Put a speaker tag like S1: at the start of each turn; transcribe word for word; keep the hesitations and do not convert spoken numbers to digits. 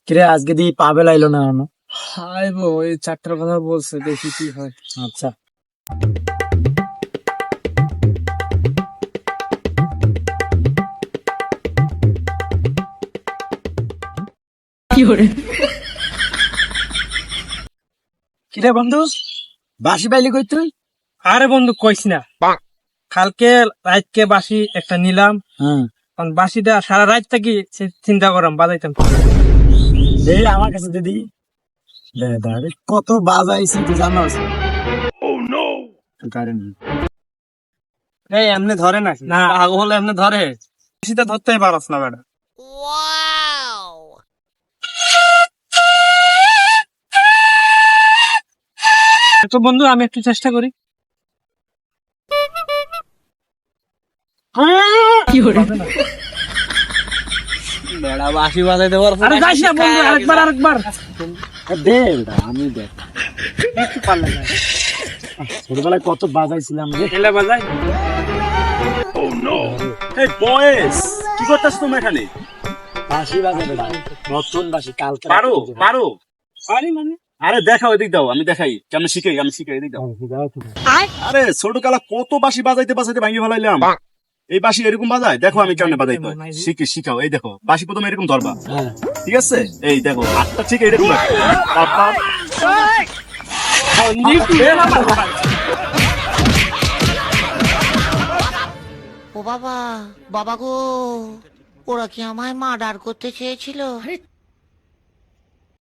S1: কিরে আজকে দি পাবে লাইলো না এখনো?
S2: হাই বো এই চারটার কথা বলছে, দেখি কি হয়।
S1: আচ্ছা কিরে বন্ধু বাসি বাইলি কই তুই?
S2: আরে বন্ধু কইস না, কালকে রাতকে বাসি একটা নিলাম,
S1: হ্যাঁ
S2: কারণ বাসিটা সারা রাত থাকি চিন্তা করাম বাজাইতাম।
S1: দে আমার কাছে দিদি দে দে আরে কত বাজাইছি তুই জানোস? ও নো কারেন্ট
S2: এই এমনি ধরে না না আগ হলে এমনি ধরে, বাসিটা ধরতেই পারস না বেটা। তো বন্ধু আমি একটু চেষ্টা করি।
S1: বেড়া বাসি বাজাইতে পারছ
S2: আরে যাইস না বন্ধু, আরেকবার আরেকবার
S1: দে বেটা আমি দে
S2: একটু পারলে না
S1: ছোটবেলায় কত বাজাইছিলাম রে।
S2: এলা বাজাই।
S3: এই বয়েস কি করতেছ তুমি এখানে?
S1: বাসি বাজাই বেটা নতুন বাসি কালকে
S3: পারো পারো?
S2: পারি মানে
S3: আরে দেখাও, এদিক দাও, আমি দেখাই কেমন শিখাই, আমি শিখাই, এদিক দাও। আরে ছোট কালা কত বাঁশি বাজাইতে বাজাইতে ভাঙিয়ে ফেলাইলাম। এই বাঁশি এরকম বাজায়, দেখো আমি কেমনে বাজাইতে হয়। শিখি শিখাও, এই দেখো বাঁশি প্রথমে এরকম ধরবা,
S1: হ্যাঁ
S3: ঠিক আছে? এই দেখো হাতটা ঠিক এরকম রাখো। তারপর
S4: ও বাবা, বাবা গো, ওরা কি আমায় মার্ডার করতে চেয়েছিল?